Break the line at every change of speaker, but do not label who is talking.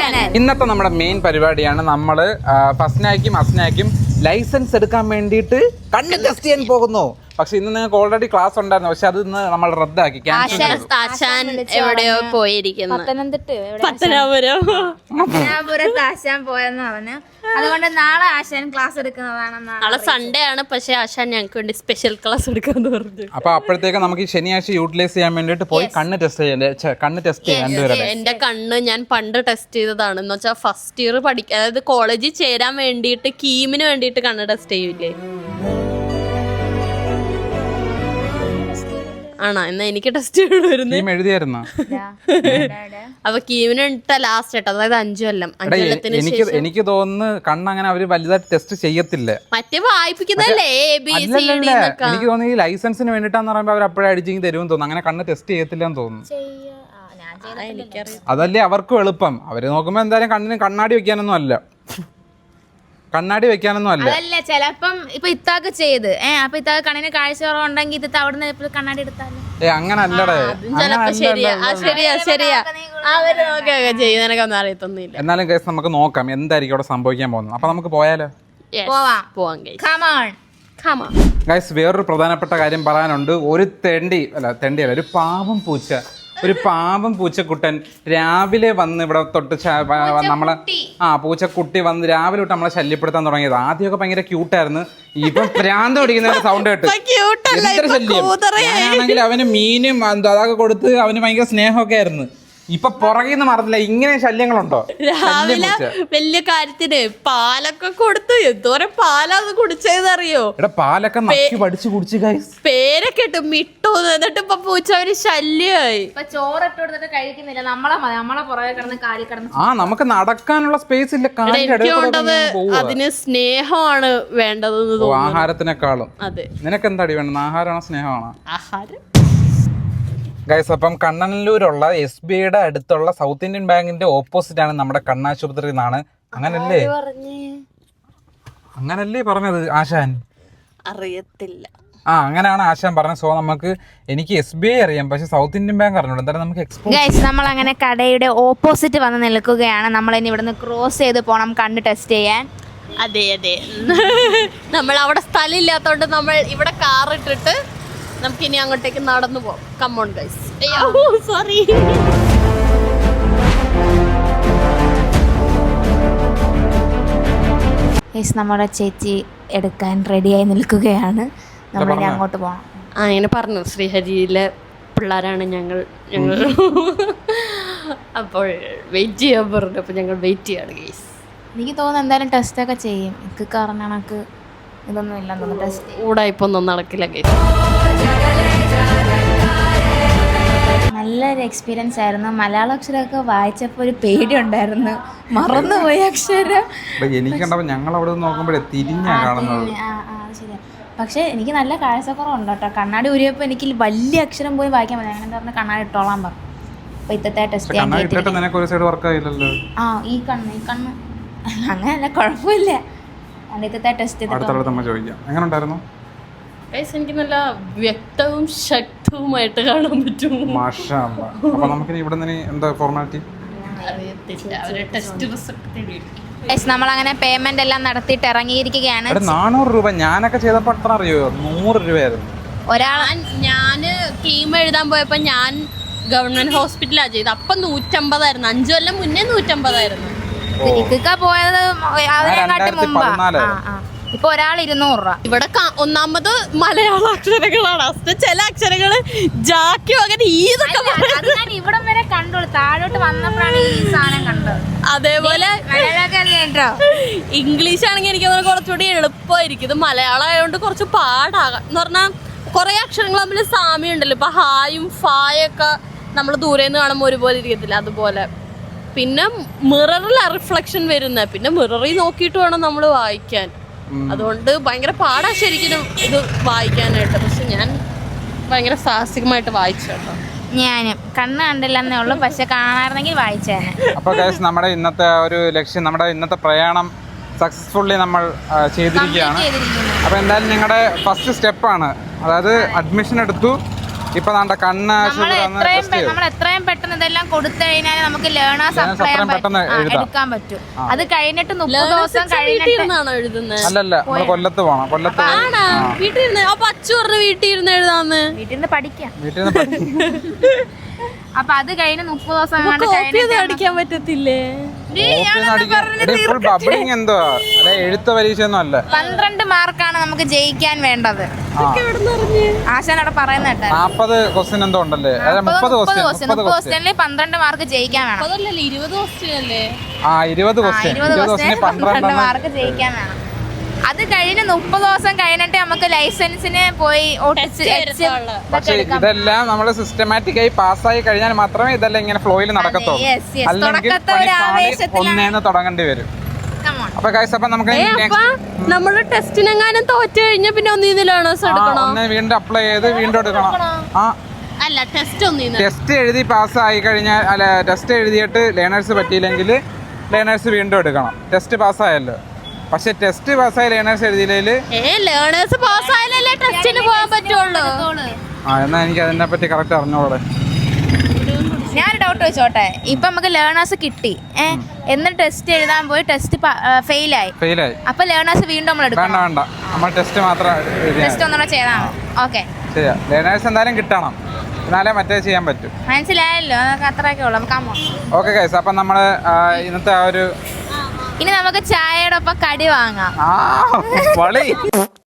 ഇന്നത്തെ നമ്മുടെ മെയിൻ പരിപാടിയാണ് നമ്മള് ഫസ്നാക്കും അസ്നാക്കും ലൈസൻസ് എടുക്കാൻ വേണ്ടിയിട്ട് കണ്ണ് ടെസ്റ്റ് ചെയ്യാൻ പോകുന്നു. പക്ഷെ ഇന്ന് നിങ്ങൾക്ക് ഓൾറെഡി ക്ലാസ് ഉണ്ടായിരുന്നു, പക്ഷെ അത് ഇന്ന് നമ്മൾ റദ്ദാക്കി.
എവിടെയോ പോയിരിക്കുന്നു,
പത്തനാപുരത്ത് ആശാൻ പോയെന്ന് പറഞ്ഞു. അതുകൊണ്ട് നാളെ ആശാൻ ക്ലാസ് എടുക്കുന്നതാണ്.
നാളെ സൺഡേ ആണ്, പക്ഷെ ആശാൻ ഞങ്ങൾക്ക് വേണ്ടി സ്പെഷ്യൽ ക്ലാസ് എടുക്കാന്ന് പറഞ്ഞു.
അപ്പൊ അപ്പോഴത്തേക്ക് നമുക്ക് ഈ ശനിയാഴ്ച യൂട്ടിലൈസ് ചെയ്യാൻ വേണ്ടിട്ട് പോയി കണ്ണ് ടെസ്റ്റ് ചെയ്യാൻ.
എന്റെ കണ്ണ് ഞാൻ പണ്ട് ടെസ്റ്റ് ചെയ്തതാണ്. എന്ന് വെച്ചാൽ ഫസ്റ്റ് ഇയർ അതായത് കോളേജിൽ ചേരാൻ വേണ്ടിയിട്ട് കീമിന് വേണ്ടിയിട്ട് കണ്ണ് ടെസ്റ്റ് ചെയ്യൂലേ? ആണോ? എന്നാ എനിക്ക് ടെസ്റ്റ്
എഴുതിയായിരുന്നു.
അപ്പൊ കീമിന് ലാസ്റ്റ് കേട്ടോ, അതായത് 5 കൊല്ലം. 5 കൊല്ലത്തിന്
എനിക്ക് തോന്നുന്നു കണ്ണ് അങ്ങനെ അവര് വലുതായിട്ട് ടെസ്റ്റ് ചെയ്യത്തില്ല,
മറ്റേ വായിപ്പിക്കുന്നല്ലേ
എനിക്ക് തോന്നുന്നു ഈ ലൈസൻസിന് വേണ്ടിട്ടാന്ന് പറയുമ്പോ അവർ അപ്പോഴേ അടിച്ചെങ്കിൽ തരുമെന്ന് തോന്നുന്നു. അങ്ങനെ കണ്ണ് ടെസ്റ്റ് ചെയ്യത്തില്ലെന്ന് തോന്നുന്നു. അതല്ലേ അവർക്കും എളുപ്പം. അവര് നോക്കുമ്പോ എന്തായാലും കണ്ണിന് കണ്ണാടി വെക്കാനൊന്നും അല്ല.
അതല്ല, ചിലപ്പം ഇപ്പൊ ഇത്താക്ക് ചെയ്ത് അപ്പൊ ഇത്താക്ക് കണ്ണിന് കാഴ്ച കുറവുണ്ടെങ്കിൽ ഇത് അവിടുന്ന് കണ്ണാടി എടുത്താലും
അങ്ങനെ അല്ലടേ. എന്നാലും കേസ് നമുക്ക് നോക്കാം എന്തായിരിക്കും അവിടെ സംഭവിക്കാൻ പോകുന്നത്. അപ്പൊ നമുക്ക് പോയാലോ? ഗൈസ്, വേറൊരു പ്രധാനപ്പെട്ട കാര്യം പറയാനുണ്ട്. ഒരു പാവം പൂച്ചക്കുട്ടൻ രാവിലെ വന്ന് ഇവിടെ തൊട്ട് നമ്മളെ പൂച്ചക്കുട്ടി വന്ന് രാവിലെ തൊട്ട് നമ്മളെ ശല്യപ്പെടുത്താൻ തുടങ്ങിയത്. ആദ്യമൊക്കെ ഭയങ്കര ക്യൂട്ടായിരുന്നു. ഇപ്പൊ ഭ്രാന്ത് പിടിക്കുന്ന സൗണ്ട് കേട്ട് ശല്യം. ഞാനാണെങ്കിൽ അവന് മീനും അതൊക്കെ കൊടുത്ത് അവന് ഭയങ്കര സ്നേഹമൊക്കെ ആയിരുന്നു. ഇപ്പൊ പുറകിന്ന് മറന്നില്ല. ഇങ്ങനെ ശല്യങ്ങളുണ്ടോ?
രാവിലെ വലിയ കാര്യത്തിന് പാലൊക്കെ കൊടുത്തു. എന്തോരം പാലാന്ന് കുടിച്ചതെന്നറിയോ?
പാലൊക്കെ പഠിച്ചു കുടിച്ചു.
പേരൊക്കെ ഇട്ട് മിട്ടു. എന്നിട്ട് ഇപ്പൊ പൂച്ച ഒരു ശല്യമായി.
ചോറ് ഇട്ട് കൊടുത്തിട്ട് കഴിക്കുന്നില്ല. നമ്മളെ പുറകെ കിടന്ന് കാലി കിടന്ന്
നമുക്ക് നടക്കാനുള്ള സ്പേസ് ഇല്ല.
അതിന് സ്നേഹമാണ് വേണ്ടതെന്ന് തോന്നുന്നു,
ആഹാരത്തിനേക്കാളും.
അതെ.
നിനക്ക് എന്താടി വേണ്ടത്? ആഹാരമാണോ സ്നേഹമാണോ?
ആഹാരം.
ഗൈസ്, അപ്പം കണ്ണനല്ലൂരുള്ള SBIയുടെ അടുത്തുള്ള സൗത്ത് ഇന്ത്യൻ ബാങ്കിന്റെ ഓപ്പോസിറ്റ് ആണ് നമ്മുടെ കണ്ണാശുപത്രി എന്നാണ്. അങ്ങനല്ലേ പറഞ്ഞത് ആശാൻ?
അറിയത്തില്ല.
അങ്ങനെയാണ് ആശാൻ പറഞ്ഞത്. സോ എനിക്ക് SBI അറിയാം, പക്ഷെ സൗത്ത് ഇന്ത്യൻ ബാങ്ക് അറിഞ്ഞൂടാ. എന്തായാലും നമുക്ക്
ഗൈസ്, നമ്മൾ അങ്ങനെ കടയുടെ ഓപ്പോസിറ്റ് വന്ന് നിൽക്കുകയാണ്. നമ്മൾ ഇനി ഇവിടുന്ന് ക്രോസ് ചെയ്ത് പോണം കണ്ണ് ടെസ്റ്റ് ചെയ്യാൻ.
അതെ. നമ്മൾ അവിടെ സ്ഥലം ഇല്ലാത്തോണ്ട് നമ്മൾ ഇവിടെ കാർ ഇട്ടിട്ട് നമുക്കിനി അങ്ങോട്ടേക്ക് നടന്നു പോകാം. Come on guys. സോറി.
നമ്മുടെ ചേച്ചി എടുക്കാൻ റെഡിയായി നിൽക്കുകയാണ്. നമ്മളിനി അങ്ങോട്ട് പോകണം.
ഇങ്ങനെ പറഞ്ഞു, ശ്രീഹരിയിലെ പിള്ളേരാണ് ഞങ്ങൾ. അപ്പോൾ വെയിറ്റ് ചെയ്യാൻ പറഞ്ഞു. അപ്പോൾ ഞങ്ങൾ വെയിറ്റ് ചെയ്യാണ് ഗൈസ്.
എനിക്ക് തോന്നുന്നു എന്തായാലും ടെസ്റ്റൊക്കെ ചെയ്യും. എനിക്ക് കാരണം കണക്ക് ഇതൊന്നും ഇല്ലെന്ന് തോന്നുന്നു. ടെസ്റ്റ്
ഊടായിപ്പൊന്നും നടക്കില്ല ഗൈസ്.
നല്ലൊരു എക്സ്പീരിയൻസ് ആയിരുന്നു. മലയാള അക്ഷരമൊക്കെ വായിച്ചപ്പോൾ ഒരു പേടി ഉണ്ടായിരുന്നു, മറന്നുപോയി അക്ഷരം.
ഞങ്ങൾ അവിടെ നോക്കുമ്പോഴേ തിരിഞ്ഞാ കാണുന്നത്.
ശരിയാ. പക്ഷെ എനിക്ക് നല്ല കാഴ്ചക്കുറവുണ്ട് കേട്ടോ. കണ്ണാടി ഊരിയപ്പോൾ എനിക്ക് വലിയ അക്ഷരം പോയി വായിക്കാൻ പറ്റില്ല. അങ്ങനെ പറഞ്ഞ കണ്ണാടി ഇട്ടോളാൻ പറഞ്ഞു. അപ്പൊ ഇത്തത്തെ ടെസ്റ്റ് ചെയ്യാൻ ഈ കണ്ണ് അങ്ങനെയല്ല, കുഴപ്പമില്ല. ഇത്തത്തെ ടെസ്റ്റ്
എനിക്ക് നല്ല വ്യക്തവും ശക്തവുമായിട്ട് കാണാൻ പറ്റും.
നമ്മളങ്ങനെ പേയ്മെന്റ് എല്ലാം നടത്തിയിട്ട് ഇറങ്ങിയിരിക്കുകയാണ്.
400 രൂപ ഞാനൊക്കെ ചെയ്തപ്പോൾ എത്ര അറിയോ? 100 രൂപയായിരുന്നു.
ഞാന് കീം എഴുതാൻ പോയപ്പോ ഞാൻ ഗവൺമെന്റ് ഹോസ്പിറ്റലാണ് ചെയ്തത്. അപ്പൊ 150 ആയിരുന്നു. 5 കൊല്ലം മുന്നേ 150 ആയിരുന്നു.
പോയത് അതിനെക്കാട്ടി മുമ്പാ. ഇപ്പൊ ഒരാൾ 200 രൂപ.
ഇവിടെ ഒന്നാമത് മലയാള അക്ഷരങ്ങളാണ്. ചില അക്ഷരങ്ങള് ജാക്കിയോ അങ്ങനെ
ഇവിടം വരെ കണ്ടോളൂ. താഴോട്ട് വന്നപ്പോഴാണ് ഈ സാധനം കണ്ടത്.
അതേപോലെ ഇംഗ്ലീഷ് ആണെങ്കിൽ എനിക്ക് കുറച്ചുകൂടി എളുപ്പമായിരിക്കും. ഇത് മലയാളം ആയതുകൊണ്ട് കുറച്ച് പാടാകാം. എന്ന് പറഞ്ഞാൽ കുറെ അക്ഷരങ്ങൾ തമ്മിൽ സാമ്യം ഉണ്ടല്ലോ. ഇപ്പൊ ഹായും ഫായൊക്കെ നമ്മൾ ദൂരെ നിന്ന് കാണുമ്പോൾ ഒരുപോലെ ഇരിക്കത്തില്ല, അതുപോലെ. പിന്നെ മിററിലാണ് റിഫ്ലക്ഷൻ വരുന്നത്. പിന്നെ മിററിൽ നോക്കിയിട്ട് വേണം നമ്മൾ വായിക്കാൻ. അതുകൊണ്ട് ഭയങ്കര പാടാ ശരിക്കും ഇത് വായിക്കാനായിട്ട്. പക്ഷെ ഞാൻ ഭയങ്കര സാഹസികമായിട്ട് വായിച്ചു കേട്ടോ.
ഞാനും കണ്ണ് കണ്ടില്ലെന്നേ ഉള്ളൂ, പക്ഷെ കാണാറുണ്ടെങ്കിൽ വായിച്ചേനെ.
അപ്പോൾ ഗൈസ്, നമ്മുടെ ഇന്നത്തെ ഒരു ലക്ഷ്യം, നമ്മുടെ ഇന്നത്തെ പ്രയാണം സക്സസ്ഫുള്ളി നമ്മൾ ചെയ്തിരിക്കുകയാണ്. അപ്പോൾ എന്തായാലും നിങ്ങളുടെ ഫസ്റ്റ് സ്റ്റെപ്പാണ്, അതായത് അഡ്മിഷൻ എടുത്തു, ഇപ്പൊ നാണ്ട കണ്ണ്
നമ്മൾ എത്രയും പെട്ടെന്ന് ഇതെല്ലാം കൊടുത്തു കഴിഞ്ഞാൽ നമുക്ക് ലേണേഴ്സ് അപ്ലൈ എടുക്കാൻ പറ്റും. അത് കഴിഞ്ഞിട്ട് 30 ദിവസം കഴിഞ്ഞിട്ടാണോ എഴുതുന്നത്?
അല്ലല്ല, നമ്മൾ കൊല്ലത്ത് പോണം. കൊല്ലത്ത്
വീട്ടിൽ ഇരുന്ന് അപ്പൊ അച്ചു പറഞ്ഞു വീട്ടിൽ ഇരുന്ന് എഴുതാന്ന്.
വീട്ടിൽ നിന്ന് പഠിക്കാം.
വീട്ടിൽ നിന്ന്
അപ്പൊ അത് കഴിഞ്ഞ് 30 ദിവസം
അടിക്കാൻ പറ്റത്തില്ലേ?
ബബ്ലിങ് എന്തോ എഴുത്ത പരീക്ഷ ഒന്നും അല്ല.
12 മാർക്കാണ് നമുക്ക് ജയിക്കാൻ വേണ്ടത്. ആശാൻ അവിടെ പറയുന്ന
40 ക്വസ്റ്റ്യൻ എന്തോ ഉണ്ടല്ലേ? 30
ക്വസ്റ്റ്യനിൽ 12 മാർക്ക് ജയിക്കാൻ വേണം.
20 ക്വസ്റ്റ്യൻ അല്ലേ?
20 ക്വസ്റ്റ്യൻ
12 മാർക്ക് ജയിക്കാൻ വേണം. അത് കഴിഞ്ഞ് 30 ദിവസം കഴിഞ്ഞിട്ട് നമുക്ക് ലൈസൻസിന് പോയി
പക്ഷെ ഇതെല്ലാം നമ്മൾ സിസ്റ്റമാറ്റിക് ആയി പാസ്സായി കഴിഞ്ഞാൽ മാത്രമേ ഇതെല്ലാം ഇങ്ങനെ ഫ്ലോയിൽ നടക്കത്തുള്ളൂ. അല്ലെങ്കിൽ ഒന്നേന്ന് തുടങ്ങേണ്ടി വരും. അപ്പൊ ഗൈസ്, അപ്പൊ നമുക്ക്
നമ്മള് ടെസ്റ്റിനെങ്ങാനും തോറ്റു കഴിഞ്ഞാൽ പിന്നെ ഒന്നീന്നിലാണോ
വീണ്ടും അപ്ലൈ ചെയ്ത് വീണ്ടും എടുക്കണം.
അല്ല,
ടെസ്റ്റ് എഴുതി പാസ്സായി കഴിഞ്ഞാൽ, അല്ല ടെസ്റ്റ് എഴുതിയിട്ട് ലേണേഴ്സ് പറ്റിയില്ലെങ്കിൽ ലേണേഴ്സ് വീണ്ടും എടുക്കണം. ടെസ്റ്റ് പാസ്സായല്ലോ. പക്ഷെ ടെസ്റ്റ് പാസ്സായ ലേണേഴ്സ് എഴുതിയില്ലേ
ടെസ്റ്റിന് പോകാൻ പറ്റുള്ളൂ.
എന്നാ എനിക്ക് അതിനെ പറ്റി കറക്റ്റ് അറിഞ്ഞോളെ.
ഞാൻ ഡൗട്ട് വെച്ചോട്ടെ. ഇപ്പൊ നമുക്ക് ലേണേഴ്സ് കിട്ടി, എന്നിട്ട് ടെസ്റ്റ് എഴുതാൻ പോയി ടെസ്റ്റ് ഫെയിലായി. അപ്പൊ ലേണേഴ്സ് വീണ്ടും നമ്മൾ എടുക്കണം?
വേണ്ട, നമ്മൾ ടെസ്റ്റ് മാത്രം
ടെസ്റ്റ് ഒന്നുകൂടെ ചെയ്താൽ മതി. ഓക്കെ,
ശരിയാ. ലേണേഴ്സ് എന്തായാലും കിട്ടണം, എന്നാലേ മറ്റേ ചെയ്യാൻ പറ്റും.
മനസ്സിലായല്ലോ? അത്രയൊക്കെ ഉള്ളു.
ഓക്കെ ഗൈസ്, അപ്പൊ നമ്മള് ഇന്നത്തെ ആ ഒരു
ഇനി നമുക്ക് ചായയുടെ ഒപ്പം കടി വാങ്ങാം.